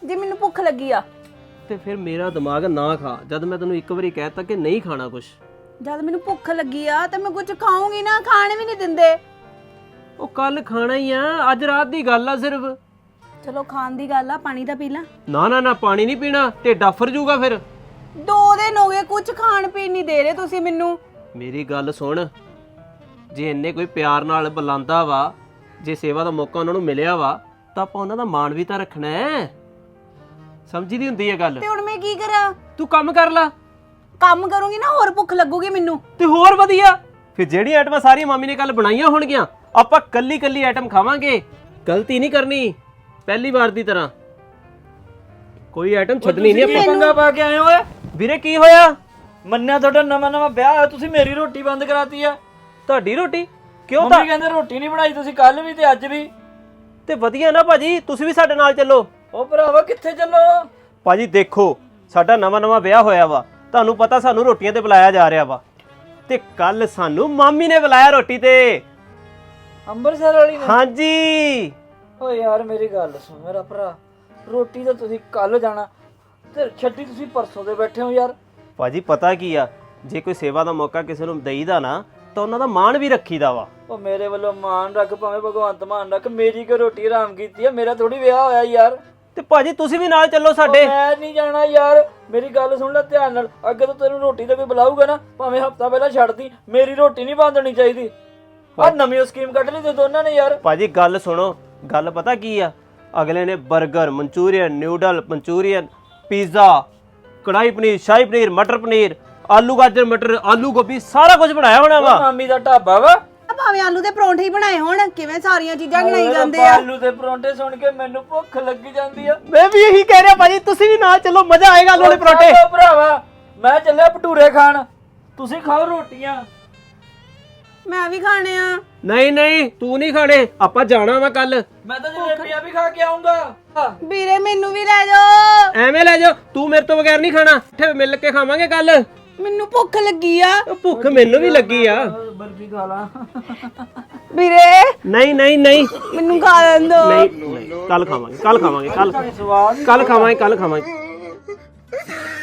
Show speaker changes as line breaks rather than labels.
ਜੇ ਮੈਨੂੰ ਭੁੱਖ ਲੱਗੀ ਆ
ਤੇ ਫਿਰ ਮੇਰਾ ਦਿਮਾਗ ਨਾ ਖਾ ਜਦ ਮੈਂ ਤੈਨੂੰ ਇੱਕ ਵਾਰੀ ਕਹਿਤਾ ਕਿ ਨਹੀਂ ਖਾਣਾ ਕੁਛ।
ਜਦ ਮੈਨੂੰ ਭੁੱਖ ਲੱਗੀ ਆ ਤਾਂ ਮੈਂ ਕੁਝ ਖਾਊਂਗੀ ਨਾ, ਖਾਣ ਵੀ ਨਹੀਂ ਦਿੰਦੇ।
ਉਹ ਕੱਲ ਖਾਣਾ ਹੀ ਆ, ਅੱਜ ਰਾਤ ਦੀ ਗੱਲ ਆ ਸਿਰਫ।
ਚਲੋ ਖਾਣ ਦੀ ਗੱਲ ਆ, ਪਾਣੀ ਤਾਂ ਪੀ ਲਾ।
ਨਾ ਨਾ ਨਾ, ਪਾਣੀ ਨਹੀਂ ਪੀਣਾ, ਢਿੱਡ ਆਫਰ ਜੂਗਾ ਫਿਰ।
2 ਦਿਨ ਹੋ ਗਏ ਕੁਝ ਖਾਣ ਪੀਣ ਨਹੀਂ ਦੇ ਰਹੇ ਤੁਸੀਂ ਮੈਨੂੰ।
ਮੇਰੀ ਗੱਲ ਸੁਣ, ਜੇ ਇੰਨੇ ਕੋਈ ਪਿਆਰ ਨਾਲ ਬੁਲਾਉਂਦਾ ਵਾ, ਜੇ ਸੇਵਾ ਦਾ ਮੌਕਾ ਉਹਨਾਂ ਨੂੰ ਮਿਲਿਆ ਵਾ, ਤਾਂ ਆਪਾਂ ਉਹਨਾਂ ਦਾ ਮਾਣ ਵੀ ਤਾਂ ਰੱਖਣਾ ਹੈ। ਸਮਝੀ ਦੀ ਹੁੰਦੀ ਹੈ ਗੱਲ।
ਤੇ ਹੁਣ ਮੈਂ ਕੀ ਕਰਾਂ?
ਤੂੰ ਕੰਮ ਕਰ ਲੈ।
ਕੰਮ ਕਰੂੰਗੀ ਨਾ ਹੋਰ ਭੁੱਖ ਲੱਗੂਗੀ ਮੈਨੂੰ।
ਤੇ ਹੋਰ ਵਧੀਆ। ਫਿਰ ਜਿਹੜੀ ਆਈਟਮਾਂ ਸਾਰੀ ਮਾਮੀ ਨੇ ਕੱਲ ਬਣਾਈਆਂ ਹੋਣਗੀਆਂ, ਆਪਾਂ ਕੱਲੀ ਕੱਲੀ ਆਈਟਮ ਖਾਵਾਂਗੇ। ਗਲਤੀ ਨਹੀਂ ਕਰਨੀ ਪਹਿਲੀ ਵਾਰ ਦੀ ਤਰ੍ਹਾਂ, ਕੋਈ ਆਈਟਮ ਛੱਡਣੀ ਨਹੀਂ ਆਪਾਂ।
ਪੰਗਾ ਪਾ ਕੇ ਆਏ ਓਏ।
ਵੀਰੇ ਕੀ ਹੋਇਆ?
ਮੰਨਿਆ ਤੁਹਾਡਾ ਨਵਾਂ ਵਿਆਹ ਹੋਇਆ, ਤੁਸੀਂ ਮੇਰੀ ਰੋਟੀ ਬੰਦ ਕਰਾਤੀ ਆ।
ਤੁਹਾਡੀ ਰੋਟੀ ਕਿਉਂ?
ਮੰਮੀ ਕਹਿੰਦੇ ਰੋਟੀ ਨਹੀਂ ਬਣਾਈ ਤੁਸੀਂ ਕੱਲ ਵੀ ਤੇ ਅੱਜ ਵੀ।
ਤੇ ਵਧੀਆ ਨਾ ਭਾਜੀ, ਤੁਸੀਂ ਵੀ ਸਾਡੇ ਨਾਲ ਚੱਲੋ।
ਉਹ ਭਰਾਵਾ ਕਿੱਥੇ ਚੱਲੋ?
ਭਾਜੀ ਦੇਖੋ, ਸਾਡਾ ਨਵਾਂ ਵਿਆਹ ਹੋਇਆ ਵਾ, ਤੁਹਾਨੂੰ ਪਤਾ ਸਾਨੂੰ ਰੋਟੀਆਂ ਤੇ ਬੁਲਾਇਆ ਜਾ ਰਿਹਾ ਵਾ, ਤੇ ਕੱਲ ਸਾਨੂੰ ਮਾਮੀ ਨੇ ਬੁਲਾਇਆ ਰੋਟੀ ਤੇ।
ਅੰਮ੍ਰਿਤਸਰ ਵਾਲੀ ਨੇ?
ਹਾਂਜੀ।
ਓ ਯਾਰ ਮੇਰੀ ਗੱਲ ਸੁਣ ਮੇਰਾ ਭਰਾ, ਰੋਟੀ ਤਾਂ ਤੁਸੀਂ ਕੱਲ ਜਾਣਾ ਤੇ ਛੱਡੀ ਤੁਸੀਂ ਪਰਸੋਂ ਦੇ ਬੈਠੇ ਹੋ ਯਾਰ।
ਭਾਜੀ ਪਤਾ ਕੀ ਆ, ਜੇ ਕੋਈ ਸੇਵਾ ਦਾ ਮੌਕਾ ਕਿਸੇ ਨੂੰ ਦੇਈਦਾ ਨਾ, ਤਾਂ ਉਹਨਾਂ ਦਾ ਮਾਣ ਵੀ ਰੱਖੀਦਾ ਵਾ।
ਉਹ ਮੇਰੇ ਵੱਲੋਂ ਮਾਣ ਰੱਖ, ਭਾਵੇਂ ਭਗਵੰਤ ਮਾਨ ਰੱਖ, ਮੇਰੀ ਕੋ ਰੋਟੀ ਹਰਾਮ ਕੀਤੀ ਆ? ਮੇਰਾ ਥੋੜੀ ਵਿਆਹ ਹੋਇਆ ਯਾਰ।
ਤੇ ਭਾਜੀ ਤੁਸੀਂ ਵੀ ਨਾਲ ਚੱਲੋ ਸਾਡੇ।
ਮੈਂ ਨਹੀਂ ਜਾਣਾ ਯਾਰ, ਮੇਰੀ ਗੱਲ ਸੁਣ ਲੈ ਧਿਆਨ ਨਾਲ। ਅੱਗੇ ਤੋਂ ਤੈਨੂੰ ਰੋਟੀ ਤੇ ਕੋਈ ਬੁਲਾਊਗਾ ਨਾ, ਭਾਵੇਂ ਹਫਤਾ ਪਹਿਲਾਂ ਛੱਡਦੀ, ਮੇਰੀ ਰੋਟੀ ਨਹੀਂ ਬੰਦ ਹੋਣੀ ਚਾਹੀਦੀ। ਆ ਨਵੀਂ ਸਕੀਮ ਕੱਢ ਲਈ ਤੇ ਦੋਨਾਂ ਨੇ ਯਾਰ।
ਭਾਜੀ ਗੱਲ ਸੁਣੋ, ਗੱਲ ਪਤਾ ਕੀ ਆ, ਅਗਲੇ ਨੇ 버ਗਰ, manchurian, noodle, manchurian, pizza, kadai paneer, ਸ਼ਾਹੀ ਪਨੀਰ, ਮਟਰ ਪਨੀਰ, ਆਲੂ ਗਾਜਰ ਮਟਰ, ਆਲੂ ਗੋਭੀ, ਸਾਰਾ ਕੁਝ ਬਣਾਇਆ ਹੋਣਾ ਵਾ।
ਮਾਮੀ ਦਾ ਢਾਬਾ ਵਾ।
ਭਾਵੇਂ ਆਲੂ ਦੇ ਪਰੌਂਠੇ ਹੀ ਬਣਾਏ ਹੋਣ, ਕਿਵੇਂ ਸਾਰੀਆਂ ਚੀਜ਼ਾਂ ਬਣਾਈ ਜਾਂਦੇ ਆ।
ਆਲੂ ਦੇ ਪਰੌਂਠੇ ਸੁਣ ਕੇ ਮੈਨੂੰ ਭੁੱਖ ਲੱਗੀ ਜਾਂਦੀ ਆ।
ਮੈਂ ਵੀ ਇਹੀ ਕਹਿ ਰਿਹਾ ਭਾਜੀ, ਤੁਸੀਂ ਵੀ ਨਾਲ ਚੱਲੋ, ਮਜ਼ਾ ਆਏਗਾ ਆਲੂ ਦੇ ਪਰੌਂਠੇ।
ਚਲੋ ਭਰਾਵਾ, ਮੈਂ ਚੱਲਿਆ ਭਟੂਰੇ ਖਾਣ, ਤੁਸੀਂ ਖਾਓ ਰੋਟੀਆਂ।
ਮੈਂ ਵੀ ਖਾਣੇ ਆ।
ਨਹੀਂ ਨਹੀਂ, ਤੂੰ ਨਹੀਂ ਖਾਣੇ, ਆਪਾਂ ਜਾਣਾ ਵਾ ਕੱਲ।
ਮੈਂ ਤਾਂ ਜਲੇਬੀਆਂ ਵੀ ਖਾ ਕੇ ਆਉਂਗਾ।
ਵੀਰੇ ਮੈਨੂੰ ਵੀ ਲੈ ਜਾਓ।
ਐਵੇਂ ਲੈ ਜਾ, ਤੂੰ ਮੇਰੇ ਤੋਂ ਬਗੈਰ ਨਹੀਂ ਖਾਣਾ, ਇੱਥੇ ਮਿਲ ਕੇ ਖਾਵਾਂਗੇ ਕੱਲ।
ਮੈਨੂੰ ਭੁੱਖ ਲੱਗੀ ਆ।
ਭੁੱਖ ਮੈਨੂੰ ਵੀ ਲੱਗੀ ਆ।
ਬਰਫੀ ਖਾ ਲਾ।
ਵੀਰੇ
ਨਹੀਂ ਨਹੀਂ ਨਹੀਂ
ਮੈਨੂੰ ਖਾ ਲੈਣ ਦੋ।
ਨਹੀਂ, ਕੱਲ ਖਾਵਾਂਗੇ, ਕੱਲ ਖਾਵਾਂਗੇ, ਕੱਲ
ਸਵਾਦ
ਕੱਲ ਖਾਵਾਂਗੇ, ਕੱਲ ਖਾਵਾਂਗੇ।